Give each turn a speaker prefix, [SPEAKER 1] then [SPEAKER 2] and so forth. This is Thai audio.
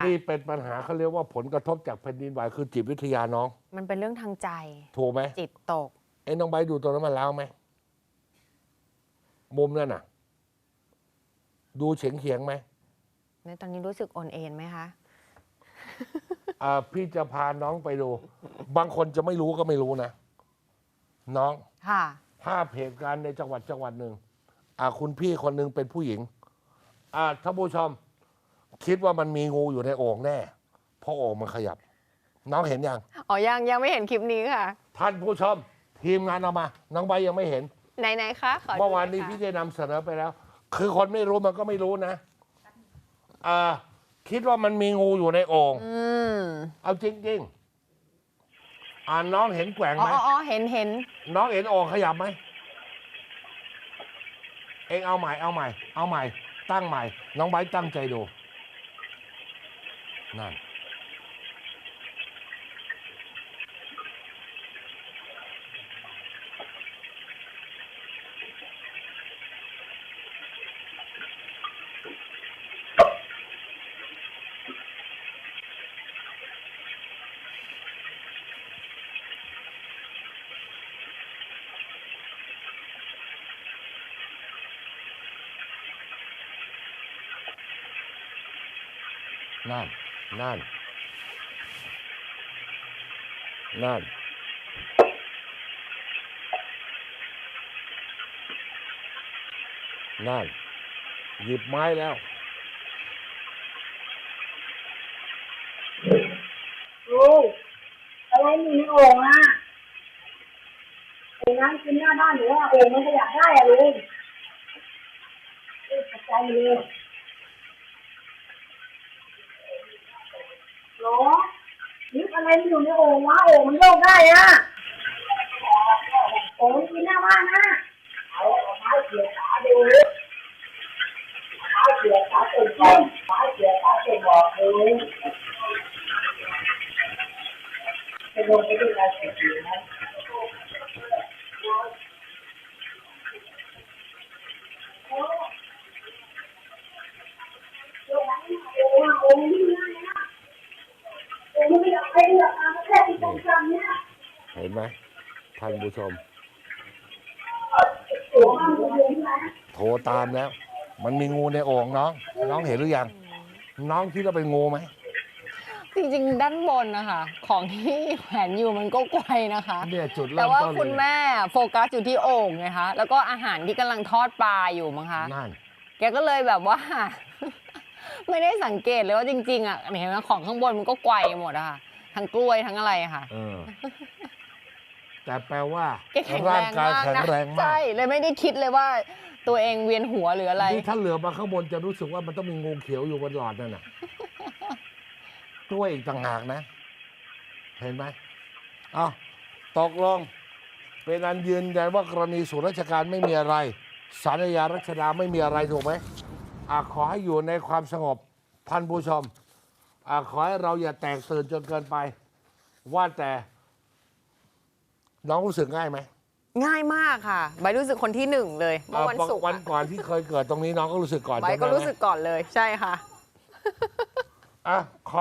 [SPEAKER 1] ที่เป็นปัญหาเขาเรียกว่าผลกระทบจากแผ่นดินไหวคือจิตวิทยาน้อง
[SPEAKER 2] มันเป็นเรื่องทางใจ
[SPEAKER 1] ถูกไหม
[SPEAKER 2] จิตตก
[SPEAKER 1] น้องใบดูตัวนั้นมันแล้วไหมมุมนั่นน่ะ ดูเฉียงไหม
[SPEAKER 2] ในตอนนี้รู้สึกโอนเอ็นไหมคะ
[SPEAKER 1] พี่จะพาน้องไปดู บางคนจะไม่รู้ก็ไม่รู้นะ น้อง
[SPEAKER 2] ค่ะ
[SPEAKER 1] ภาพเหตุการณ์ในจังหวัดหนึ่งคุณพี่คนหนึ่งเป็นผู้หญิงท่านผู้ชม คิดว่ามันมีงูอยู่ในโอ่งแน่เพราะโอ่งมันขยับ น้องเห็นยัง
[SPEAKER 2] อ๋อ ยังไม่เห็นคลิปนี้ค่ะ
[SPEAKER 1] ท่านผู้ชม ทีมงานเอามา น้องใบยังไม่เห็น
[SPEAKER 2] ไหนคะขอดู
[SPEAKER 1] เมื่อวานนี้
[SPEAKER 2] หยค่ะ
[SPEAKER 1] พี่ได้นำเสนอไปแล้ว คือคนไม่รู้มันก็ไม่รู้นะคิดว่ามันมีงูอยู่ในโอ่งเอาจริงๆน้องเห็นแกว่งไหม
[SPEAKER 2] อ๋อเห็น
[SPEAKER 1] น้องเห็นโอ่งขยับไหมเองเอาใหม่ ตั้งใหม่ น้องไบร์ทตั้งใจดูนั่นนั่นนั่นหยิบไม้แล้ว
[SPEAKER 3] ลุงอะไรมีในโอ่งอ่ะไอ้น้ำกินหน้าบ้านหนูว่าโอ่งมันขยับได้อะลุงตกใจเลยหรอนึกอะไรมันอยู่ในโอ่งวะโอ่งมันโยกได้อ่ะโอ่งมันกินหน้าบ้านนะเอาไม้เกี่ยวขาดูไม้เกี่ยวขาเป็นบอลไม้เกี่ยวขาเป็นบอลเลยจะลงไปด้วยอะไรเสียไหม
[SPEAKER 1] เห็นไหมท่านผู้ชม โทรตามแล้ว มันมีงูในโอ่งน้องเห็นหรือยัง น้องคิดว่าเป็นงูไหม
[SPEAKER 2] จริงๆ ด้านบนนะคะ ของที่แขวนอยู่มันก็ไกลนะคะ
[SPEAKER 1] เนี่ยจุด
[SPEAKER 2] แต่
[SPEAKER 1] เริ่ม
[SPEAKER 2] ว่า
[SPEAKER 1] ต้น
[SPEAKER 2] คุณ
[SPEAKER 1] เลย
[SPEAKER 2] แม่โฟกัสอยู่ที่โอ่งไงคะ แล้วก็อาหารที่กำลังทอดปลาอยู่มั้งคะ
[SPEAKER 1] นั่น
[SPEAKER 2] แกก็เลยแบบว่า ไม่ได้สังเกตเลยว่าจริงๆอ่ะเห็นไหมของข้างบนมันก็ไกวหมดอะค่ะ ทั้งกล้วยทั้งอะไรอะค่ะ
[SPEAKER 1] แต่แปลว่า
[SPEAKER 2] แกแข็งแร
[SPEAKER 1] ร่าง
[SPEAKER 2] ง
[SPEAKER 1] กาย
[SPEAKER 2] มาก
[SPEAKER 1] แข็ง
[SPEAKER 2] นะ
[SPEAKER 1] แรงมาก
[SPEAKER 2] ใช่ เลยไม่ได้คิดเลยว่าตัวเองเวียนหัวหรืออะไร
[SPEAKER 1] นี่ถ้าเหลือมาข้างบนจะรู้สึกว่ามันต้องมีงูเขียวอยู่บนหลอดนั่นน่ะ ตัวอีกต่างหากนะ เห็นไหมตกลง เป็นอันยืนยันว่ากรณีส่วนราชการไม่มีอะไรศาลอาญารัชดาไม่มีอะไรถูกไหมขอให้อยู่ในความสงบท่านผู้ชมขอให้เราอย่าแตกตื่นจนเกินไป ว่าแต่น้องรู้สึกง่ายไหม
[SPEAKER 2] ง่ายมากค่ะใบรู้สึกคนที่หนึ่งเลยเมื่อวันศุกร์
[SPEAKER 1] วันก่อนที่เคยเกิดตรงนี้น้องก็รู้สึกก่อน
[SPEAKER 2] ใบก็รู้สึกก่อนเลย ใช่ค่ะ
[SPEAKER 1] อ่ะ